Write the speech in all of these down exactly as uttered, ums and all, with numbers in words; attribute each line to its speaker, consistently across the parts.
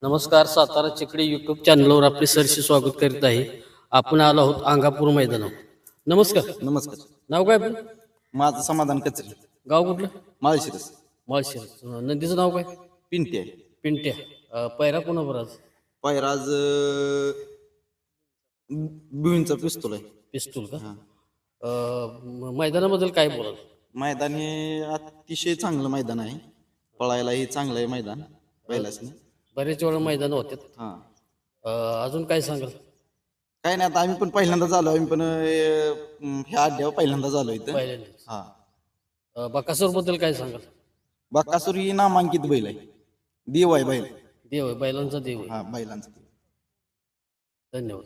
Speaker 1: नमस्कार. सातारा चिकडी यूट्यूब चॅनलवर आपले सरशी स्वागत करीत आहे. आपण आलो आहोत अंगापूर मैदानावर. नमस्कार.
Speaker 2: नमस्कार.
Speaker 1: नाव काय आपलं?
Speaker 2: माझं समाधान कचरे,
Speaker 1: गाव कुठलं?
Speaker 2: माळशिरस.
Speaker 1: माळशिरस. अं, नदीचं नाव काय?
Speaker 2: पिंटी आहे.
Speaker 1: पिंट्या. अं, पैरा कोणावर आज?
Speaker 2: पैराज बिवींचा पिस्तूल आहे.
Speaker 1: पिस्तूल का?
Speaker 2: हा.
Speaker 1: अं, म- मैदानाबद्दल काय बोलाल?
Speaker 2: मैदान हे अतिशय चांगलं मैदान आहे. पळायलाही चांगलं आहे मैदान पहिल्याच.
Speaker 1: बरेच वेळा मैदान होते.
Speaker 2: हा.
Speaker 1: अजून काय सांगाल?
Speaker 2: काय नाही, आता आम्ही पण पहिल्यांदा झालो. आम्ही पण अं, ह्या अड्ड्यावर पहिल्यांदा झालो इथं.
Speaker 1: पहिल्यांदाच.
Speaker 2: हा.
Speaker 1: अं, बकासूर बद्दल काय सांगाल?
Speaker 2: बकासूर ही नामांकित बैल आहे. देव आहे बैल.
Speaker 1: देव आहे, बैलांचा देव आहे.
Speaker 2: हा, बैलांचा देव.
Speaker 1: धन्यवाद.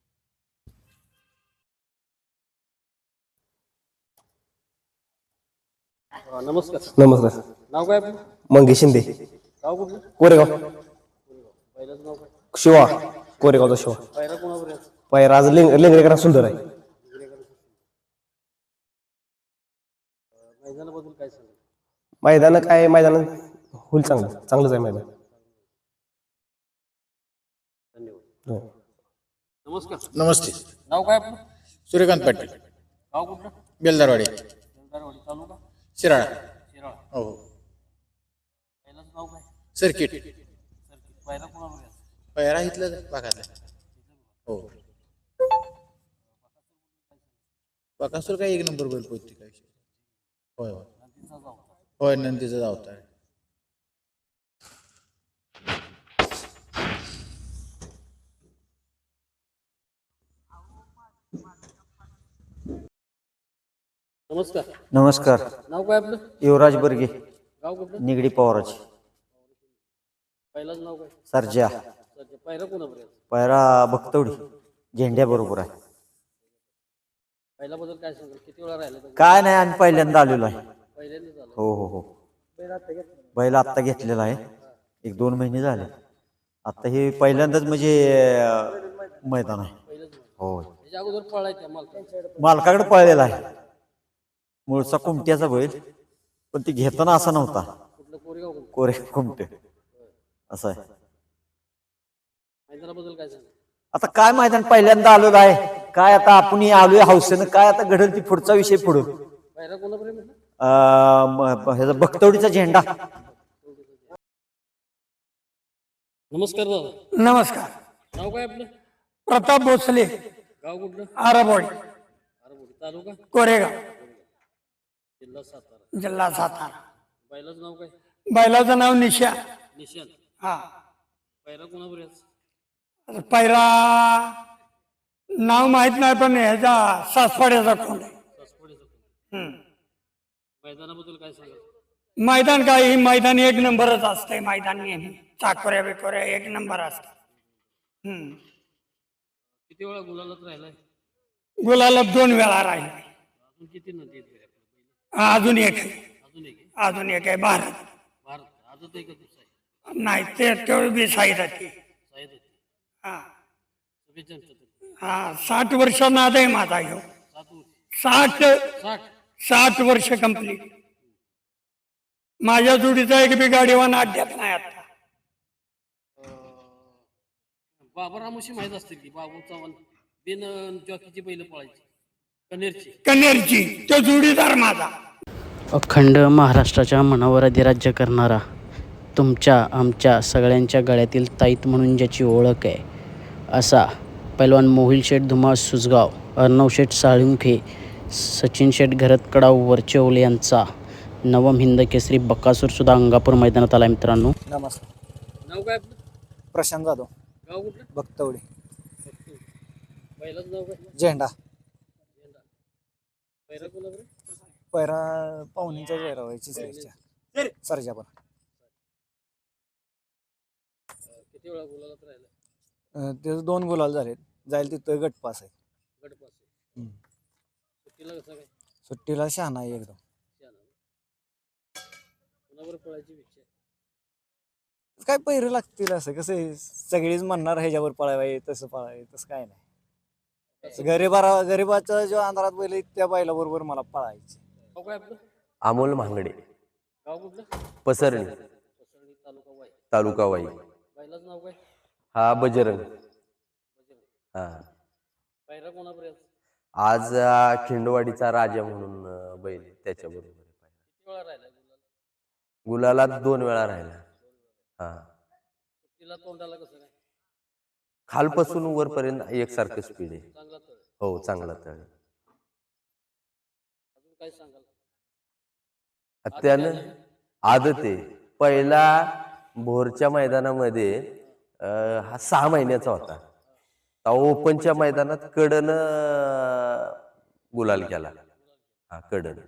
Speaker 1: अं, नमस्कार.
Speaker 3: नमस्कार.
Speaker 1: नाव काय आपलं?
Speaker 3: मंगेश शिंदे,
Speaker 1: गाव कुठलं?
Speaker 3: कोरेगाव.
Speaker 1: बैलाचं नाव काय?
Speaker 3: शिवा, कोरेगावचा शिवा.
Speaker 1: पैरा कोणावर आहे?
Speaker 3: पायरा आज लेंग लेंगरेकरांना सुंदर आहे.
Speaker 1: मैदानाबद्दल काय सांगाल?
Speaker 3: मैदान काय मैदान होईल चांगलं चांगलंच आहे मैदान.
Speaker 1: धन्यवाद.
Speaker 3: हो.
Speaker 1: नमस्कार.
Speaker 4: नमस्ते.
Speaker 1: नाव काय आपलं?
Speaker 4: सूर्यकांत पाटील,
Speaker 1: गाव कुठलं?
Speaker 4: बेलदारवाडी,
Speaker 1: बेलदारवाडी तालुका
Speaker 4: शिराळा.
Speaker 1: शिराळा.
Speaker 4: हो.
Speaker 1: बैलाचं नाव काय?
Speaker 4: सर्किट.
Speaker 1: सर्किट. पैरा कोणावर आहे?
Speaker 4: पैरा इथलं भागातला. हो. बकासूर काय एक नंबर बैल पोहोचते काय विषय. होय होय
Speaker 1: नदीचा जाऊ.
Speaker 4: होय नंदीचा धावता आहे.
Speaker 1: नमस्कार.
Speaker 5: नमस्कार.
Speaker 1: नाव काय आपलं?
Speaker 5: युवराज बर्गे,
Speaker 1: गाव कुठलं?
Speaker 5: निगडी पवाराज,
Speaker 1: पहिलाच नाव काय?
Speaker 5: सर्जा.
Speaker 1: सध्या पैरा कोणावर आहे?
Speaker 5: पैरा भक्तवडी झेंड्या बरोबर आहे.
Speaker 1: पहिल्याबद्दल काय सांगाल? किती वेळा राहिला?
Speaker 5: काय नाही, आम्ही पहिल्यांदा आलेलो आहे.
Speaker 1: पहिल्यांदा झालं.
Speaker 5: हो हो हो. बैल आत्ता घेतलेला आहे, एक दोन महिने झाले. आता हे पहिल्यांदाच म्हणजे अं, मैदान आहे.
Speaker 1: पहिलंच झालं.
Speaker 5: हो.
Speaker 1: त्याच्या अगोदर पळायच्या मालका.
Speaker 5: मालकाकडे पळलेला आहे. मूळचा कुमट्याचा बैल, पण ती घेताना असा नव्हता.
Speaker 1: कुठलं कोरेगाव कुठलं?
Speaker 5: कोरे कुमटे असं आहे.
Speaker 1: मैदानाबद्दल काय सांगाल?
Speaker 5: आता काय मैदान पहिल्यांदा आलेलो आहे. काय आता आपण आलोय हौसेनं, काय आता घडेल ती पुढचा विषय पुढं.
Speaker 1: पैरा कोणावर आहे म्हटलं?
Speaker 5: अं, म- ब- ह्याचा भक्तवडीचा झेंडा.
Speaker 1: नमस्कार दादा.
Speaker 6: नमस्कार.
Speaker 1: नाव काय आपलं?
Speaker 6: प्रताप भोसले,
Speaker 1: गाव कुठलं?
Speaker 6: आरबवाडी,
Speaker 1: आरबोडी तालुका
Speaker 6: कोरेगाव,
Speaker 1: जिल्हा सातारा.
Speaker 6: जिल्हा सातारा.
Speaker 1: बैलाचं नाव काय?
Speaker 6: बैलाचं नाव निशा.
Speaker 1: निशांत.
Speaker 6: हा.
Speaker 1: पैरा कोणावर आहे?
Speaker 6: पैरा नाव माहित नाही, पण ह्याचा सासपाड्याचा कोण आहे.
Speaker 1: सासवडीचं.
Speaker 6: हम्म.
Speaker 1: मैदानाबद्दल काय सांगाल?
Speaker 6: मैदान काय, ही मैदान एक नंबरच असतंय. मैदान नेहमी चाकोऱ्या बिकोऱ्या एक नंबर असतात. हम्म.
Speaker 1: किती वेळा गुलालात राहिलाय?
Speaker 6: गुलाला दोन वेळा राहील.
Speaker 1: अजून किती नदी आहेत घरी आपल्या पहिलं?
Speaker 6: अजून एक आहे.
Speaker 1: अजून एक आहे.
Speaker 6: अजून एक आहे भारत.
Speaker 1: भारत आजच एक दिवस आहे.
Speaker 6: नाही ते तेवढी बी साईड आहे.
Speaker 1: साहेब होते.
Speaker 6: हा.
Speaker 1: शुभेच्छा आमच्यातर्फे.
Speaker 6: हा. साठ वर्ष नाद आहे माझा ह्यो.
Speaker 1: सात वर्ष.
Speaker 6: साठ
Speaker 1: साठ.
Speaker 6: साठ वर्ष कंप्लीट. माझ्या जोडीचा एक बी गाडीवान अड्ड्यात नाही आता.
Speaker 1: बाबा रामोशी माहित असतील की बाबू चव्हाण बिन जॉकीची बैल पळायची कनेरची.
Speaker 6: कन्नेरची तो जोडीदार माझा.
Speaker 7: अखंड महाराष्ट्राच्या मनावर अधिराज्य करणारा, तुमच्या आमच्या सगळ्यांच्या गळ्यातील ताईत म्हणून ज्याची ओळख आहे, असा पैलवान मोहिल शेठ धुमाळ सुजगाव, अर्णव शेठ साळुंखे, सचिन शेठ घरतकडाव वरचेवले यांचा नवम हिंद केसरी बकासूर सुद्धा अंगापूर मैदानात आला. मित्रांनो,
Speaker 5: नमस्कार.
Speaker 1: नाव काय आपलं?
Speaker 5: प्रशांत जाधव,
Speaker 1: गाव कुठलं?
Speaker 5: भक्तवडी,
Speaker 1: बैलाचं नाव काय?
Speaker 5: झेंडा.
Speaker 1: झेंडा. पैरा कोणावर आहे?
Speaker 5: पैरा पाहुणींचा पैरा व्हायची सरजा. पण
Speaker 1: किती वेळा गुलालात राहिला?
Speaker 5: त्याचे दोन गुलाल झालेत. जाईल तिथं गटपास आहे.
Speaker 1: गटपास. सुट्टीला कसं काय?
Speaker 5: सुट्टीला शहाणा आहे एकदम.
Speaker 1: कोणावर पळायची इच्छा आहे?
Speaker 5: काय पैरे लागतील, असं कसं आहे, सगळीच म्हणणार ह्याच्यावर पळावे तसं पळावे, तसं काय नाही. गरीबा गरीबाचा जो अंधारात बैल आहे, त्या बैला बरोबर मला पळायचे.
Speaker 1: गाव काय आपलं?
Speaker 3: अमोल महांगडे,
Speaker 1: गाव कुठलं?
Speaker 3: पसरणी,
Speaker 1: पसरणी तालुका वाई.
Speaker 3: तालुका वाई.
Speaker 1: बैलाचं नाव काय?
Speaker 8: हा बजरंग. हा
Speaker 1: पहिला कोणापर्यंत
Speaker 8: आज अं, खिंडवाडीचा राजा म्हणून अं, बैल आहे, त्याच्याबरोबर आहे.
Speaker 1: किती वेळा राहिला
Speaker 8: गुलालात दोन वेळा राहिला. हा
Speaker 1: तिला तोंडाला कसं काय
Speaker 8: खालपासून वरपर्यंत एकसारखं स्पीड आहे.
Speaker 1: चांगला तळ
Speaker 8: हो चांगला तळ आहे.
Speaker 1: अजून काय सांगाल
Speaker 8: त्यानं आदत आहे. पहिला भोरच्या मैदानामध्ये अं, हा सहा महिन्याचा होता. तेव्हा ओपनच्या मैदानात कडन गुलाल केला. हा कडन.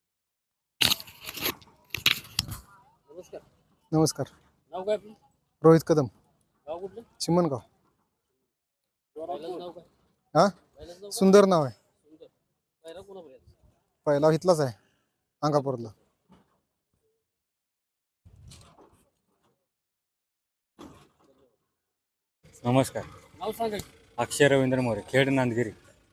Speaker 1: नमस्कार
Speaker 9: नमस्कार.
Speaker 1: नाव काय आपलं
Speaker 9: रोहित कदम,
Speaker 1: गाव कुठलं
Speaker 9: चिमणगाव.
Speaker 1: पहिल्याचं नाव काय
Speaker 9: हा
Speaker 1: पहिल्याचं नाव
Speaker 9: सुंदर नाव आहे.
Speaker 1: सुंदर पहिला कोणापर्यंत
Speaker 9: पहिला इथलाच आहे, अंगापूरला.
Speaker 10: नमस्कार.
Speaker 1: नाव सांगा की.
Speaker 10: अक्षय रवींद्र मोरे, खेड नांदगिरी.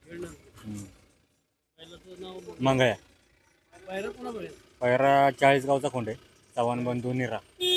Speaker 1: पहिल्याचं नाव
Speaker 10: मंगळ्या.
Speaker 1: पहिला कोणापर्यंत
Speaker 10: पैरा चाळीस गावचा खोंड आहे. चव्हाण बंधू निरा.